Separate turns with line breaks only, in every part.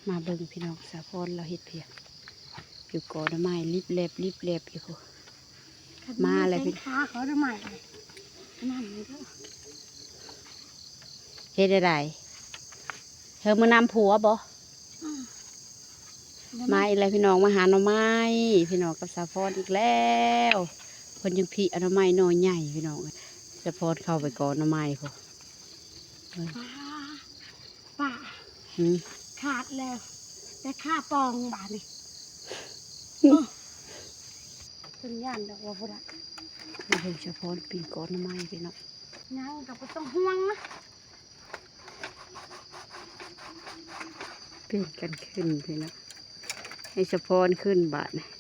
มาเบิ่งพี่น้องสะพอนเราเฮ็ดเพียงอยู่ก่อนไม้รีบเล็บอยู่มาเลยพี่
ขาเขาทำไมนั่นเลยก็
เฮ็ดได้เธอมานำผัวบ่มาอีกแล้วพี่น้องมาหาหน่อไม้พี่น้องกับสะพอนอีกแล้วคนยังพี่เอาหน่อไม้หน่อใหญ่พี่น้องสะพอนเข้าไปก่อนหน่อไม้พอ
ป่าขาดแล้วแต่ข้าปองบาทนี่เป็นย่านดอกว่าพุทธะ
มาเบิ่งสะพอนปีนก่อนหน่อไม้พี่น้อง
ยังกับต้องห่วงนะ
เปลี่ยนกันขึ้นพี่น้องให้สะพอนขึ้นบาทนะ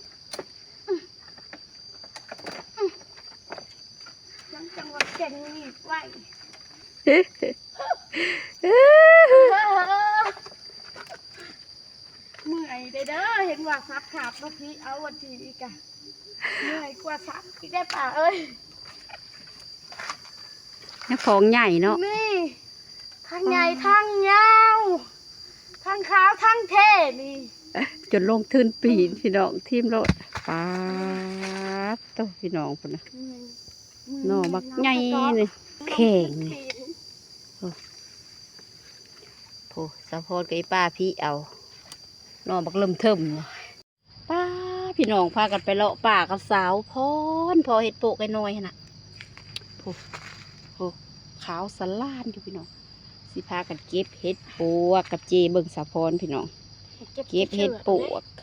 ยังจังหวะเก่งนี่ไหวเมื่อยเด้อเห็นว่าซับขาดเมื่อกี้เอาวันที่อีกอะเหนื่อยกว่าซับอีกได้ป่ะเอ้ย
นี่ของใหญ่เนาะ
นี่ทั้งใหญ่ทั้งยาวทั้งขาวทั้งเท่นี่
จนลงทืนปีนพี่น้องทีมรถป๊าดโตพี่น้องคนนะหน่อบักใหญ่เลยแข็งโผสะพอนกับป้าพี่เอาหน่อบักเริ่มเทิมป้าพี่น้องพากันไปเลาะป่ากับสาวพอเห็ดโปกไอ้น้อยน่ะโผขาวสลานอยู่พี่น้องสิพากันเก็บเห็ดปวกกับเจเบิ่งสะพอนพี่น้องเก็บเห็ดปวก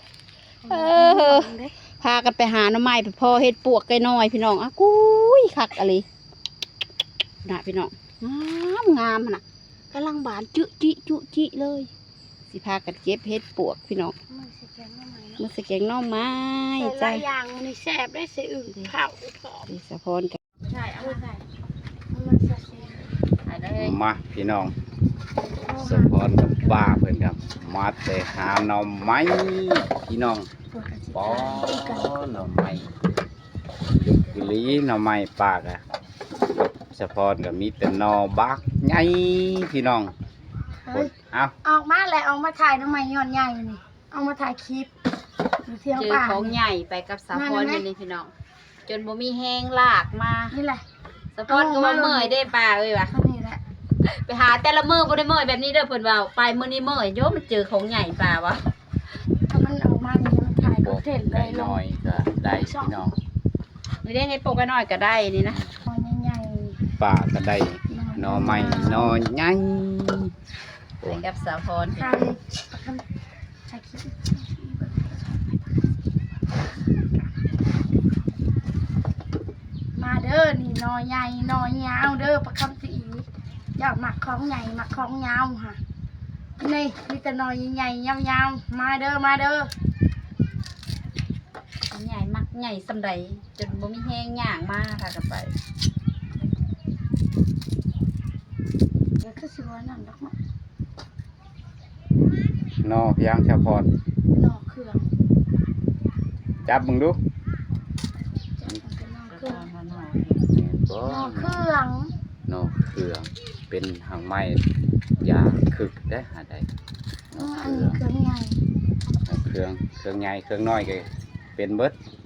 พากันไปหาหน่อไม้ไปพอเห็ดปวกไก่น้อยพี่น้องอ่ะกุ้ยคักอะไรน่ะพี่น้องงามน่ะกำลังบานจุจิเลยสิพากันเก็บเห็ดปวกพี่น้องมือสแกงน่อไม้
ใส่อย่างมันแสบได้เสียอื่นเผาผอม
สะพอนกัน
ใช่เอาใส่
มาพี่น้องสะพอนกับป้าเพื่อนครับมาแต่หาหน่อไม้พี่น้องป้อหน่อไม้ยุกลีหน่อไม้ปากอะสะพอนกับมีแต่หน่อบักใหญ่พี่น้องเอา
ออกมาแล้วออกมาถ่ายทำไมย้อนใหญ่นี่เอามาถ่ายคลิป
เจอของใหญ่ไปกับสะพอนนี่พี่น้องจนบ่มีแห้งลากมา
นี่แหละ
สะพอนก็ว่าเมื่อยได้ป่าเอ้ยวะไปหาแต่ละมือบ่ได้เมื่อยแบบนี้เด้อเพิ่นว่าไปมื้อนี้เมื่อยโยมันเจอของใหญ่ป่าวะ
ถ้ามันออกมานี่มันถ่ายก็เห็นเลย
น้อยก็ได้พี่น้อง
ไม่ได้ให้ปลูกน้อยก็ได้นี่นะ
ใหญ่
ป่าก็ได้หน่อไม้หน่อใหญ่
ไปกับสะพอน
มาเด้อนี่นอใหญ่นอยาวเด้อประคำสีอยากหมักของใหญ่หมักของยาวค่ะนี่มีแต่นอใหญ่ยาวมาเด้อ
ใหญ่มักใหญ่สำไรจนบ่มีแห้งย่างมากค่ะกันไป
เดี๋ยวคือสิว่านั่นดอกมั้ง
นอพี่ยังชาพร
นอเครื่อง
จับมึงดู
นอเครื่อง
เป็นหางไม้ยาคึกได้หาได้
อันนี้เครื่องใหญ่
เครื่องใหญ่เครื่องน้อยก็เป็นเบิด